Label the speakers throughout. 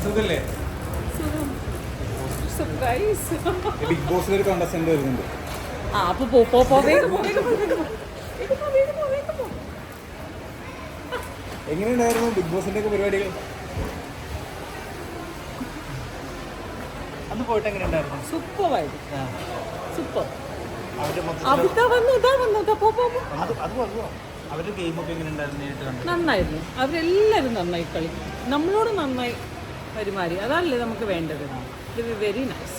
Speaker 1: സുഖല്ലേ?
Speaker 2: Surprise.
Speaker 1: Big ബോസിൽ ഒരു കോണ്ടസ്റ്റന്റ് വരുന്നുണ്ട്.
Speaker 2: ആ അപ്പൊ പോ വേഗം പോ.
Speaker 1: എങ്ങനെയുണ്ടായിരുന്നു ബിഗ് ബോസിന്റെ ഒക്കെ പരിപാടികൾ? അന്ന് പോയിട്ട് എങ്ങനെയുണ്ടായിരുന്നു?
Speaker 2: സൂപ്പറായിരുന്നു. സൂപ്പർ.
Speaker 1: അവരുടെ ഗെയിമൊക്കെ എങ്ങനെയുണ്ടായിരുന്നു നേരിട്ട് കണ്ടത്?
Speaker 2: നന്നായിരുന്നു. അവരെല്ലാവരും നന്നായി കളിക്കും, നമ്മളോട് നന്നായി പെരുമാറി. അതല്ലേ നമുക്ക് വേണ്ടത്. ഇത് വെരി നൈസ്.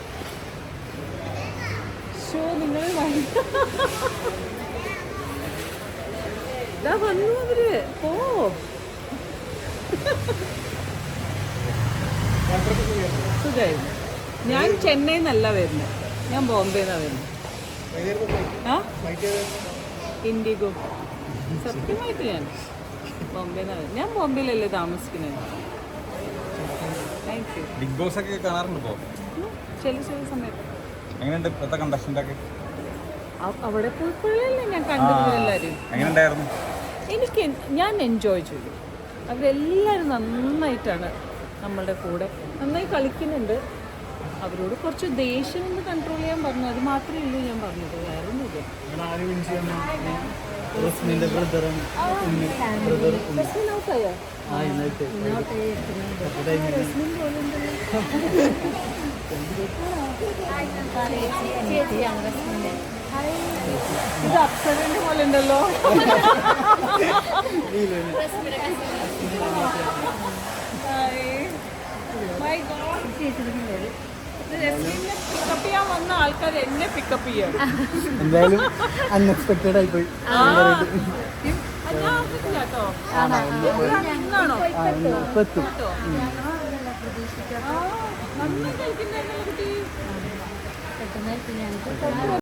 Speaker 2: ഷോ നിങ്ങൾ ഇതാ വന്നു അവര്. പോ. സുഖമായിരുന്നു. ഞാൻ ചെന്നൈയിൽ നിന്നല്ല വരുന്നത്, ഞാൻ ബോംബെന്നാണ് വരുന്നത്. ആ ഇൻഡിഗോ. സത്യമായിട്ട് ഞാൻ ബോംബെന്നാണ് വരുന്നത്. ഞാൻ ബോംബെയിലല്ലേ താമസിക്കുന്നത്. Thank you.
Speaker 1: ബിഗ് ബോസ് ഒക്കെ കാണാറുണ്ട് ഇപ്പോൾ?
Speaker 2: ചില സമയത്ത്.
Speaker 1: എങ്ങനെയുണ്ട് ഇപ്പോഴത്തെ കണ്ടസ്റ്റന്റ് ഒക്കെ?
Speaker 2: അവിടെ പോയപ്പോഴല്ലേ ഞാൻ കണ്ടത് എല്ലാവരും.
Speaker 1: എങ്ങനെയുണ്ടായിരുന്നു?
Speaker 2: ഞാൻ എൻജോയ് ചെയ്തു. അവരെല്ലാവരും നന്നായിട്ടാണ് നമ്മളുടെ കൂടെ നന്നായി കളിക്കുന്നുണ്ട്. അവരോട് കുറച്ച് ദേഷ്യം ഒന്ന് കൺട്രോൾ ചെയ്യാൻ പറഞ്ഞു, അത് മാത്രമേ ഉള്ളൂ ഞാൻ പറഞ്ഞത്. വേറെ ഒന്നുമില്ല. ഇത് അപ്സരന്റെ പോലെ ഉണ്ടല്ലോ. പിക്കപ്പ് ചെയ്യാൻ വന്ന ആൾക്കാർ എന്നെ പിക്കപ്പ് ചെയ്യാം.
Speaker 3: എന്തായാലും അൺഎക്സ്പെക്ടഡ് ആയി പോയി.
Speaker 2: നന്നായി കളിക്കുന്ന കുട്ടി.